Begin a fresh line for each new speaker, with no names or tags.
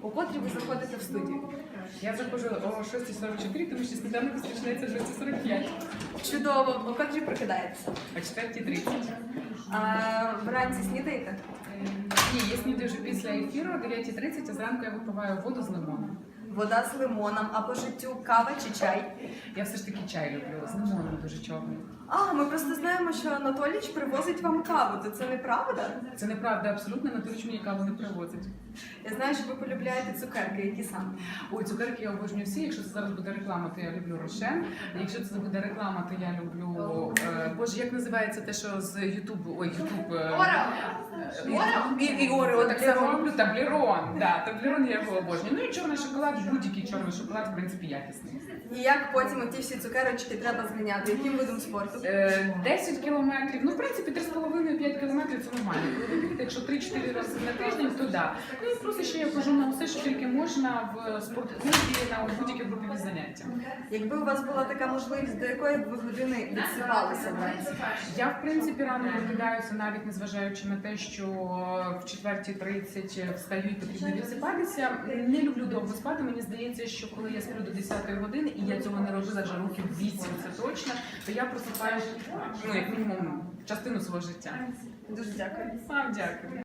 У котрій ви заходите в студію?
Я заходжу о 6:44, тому що сніданок розпочинається о 6:45.
Чудово. У котрій прокидаєтеся?
О 4:30.
Вранці снідаєте?
Ні, я снідаю вже після ефіру о 9:30, а зранку я випиваю воду з лимоном.
Вода з лимоном, а по життю кава чи чай?
Я все ж таки чай люблю, з лимоном дуже чорний.
Ми просто знаємо, що Анатолійович привозить вам каву, то це неправда?
Це неправда, абсолютно, Анатолійович мені каву не привозить.
Я знаю, що ви полюбляєте цукерки, які саме?
Ой, цукерки я обожнюю всі. Якщо це зараз буде реклама, то я люблю Рошен. Якщо це буде реклама, то я люблю... Боже, як називається те, що з Ютубу? Ой, Ютуб... І Орео так само люблю. Таблерон. Да, Таблерон я його обожнюю. Ну і чорний шоколад, будь-який чорний шоколад, в принципі, якісний.
І як потім ті всі цукерочки треба зганяти? Яким видом спорту?
10 кілометрів, ну в принципі 3,5-5 кілометрів це нормально. Коли ви бігете, якщо 3-4 рази на тиждень, то да. Ну і плюс ще я хожу на усе, що тільки можна в спортклубі, на будь-які групові заняття.
Якби у вас була така можливість, до якої б ви години відсипалися вранці?
Я в принципі рано прокидаюся, навіть незважаючи на те, що в 4:30 встаю і потрібно відсипатися. Не люблю довго спати, мені здається, що коли я сплю до 10-ї години, і я цього не робила вже років 8, це точно, то я просипаю, ну, як мінімум, частину свого життя.
Дуже дякую.
Вам дякую.